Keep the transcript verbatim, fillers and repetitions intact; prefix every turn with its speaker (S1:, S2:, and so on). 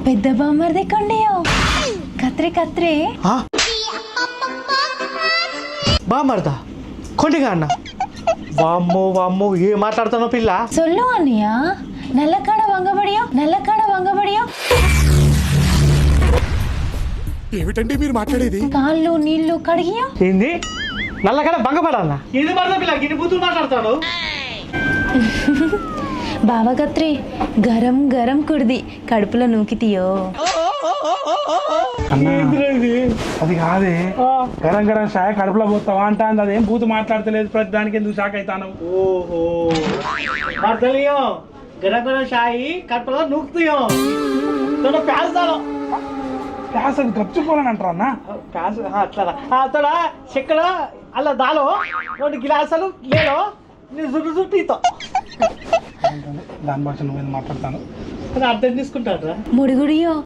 S1: పెద్ద బామ్మర్ది కొండియో కత్రే కత్రే
S2: బామ్మర్దా కొండిగా అన్న వామ్మో వామ్మో ఏం మాట్లాడుతున్నావు పిల్ల
S1: సొల్లు అన్నయ్య నల్లకాడ వంగబడియో నల్లకాడ వంగబడియో
S3: ఏమిటండి మీరు మాట్లాడేది?
S1: కాళ్ళు నీళ్లు కడిగియో
S2: ఏంది నల్లకడ బంగపడాలన్నా ఇది పడతా పిల్ల గిన్ని బూతులు మాట్లాడతాను
S1: బావ కత్రే గరం గరం కుడిది కడుపులో నూకితీయో
S4: అది కాదే గరం గరం షాయ కడుపులో పోతావా అంటా అదేం బూతు మాట్లాడతలేదు ప్రతి దానికి ఎందుకు షాక్ అవుతాను
S2: ఓహో మర్దలియో గరగర షాయి కడుపులో నూకుతాయో తోడ ప్యాస్తాను
S4: క్లాస్ అది గప్చిపోలని అంటారా అన్న
S2: ప్యాస్ అట్లా తోడ చెక్కడ అలా దాలో రెండు గిలాసులు లేదో నేను జుట్టు జుట్టు
S4: దాని భాష నువ్వేం మాట్లాడతాను
S2: అర్థం తీసుకుంటారా
S1: ముడిగుడియో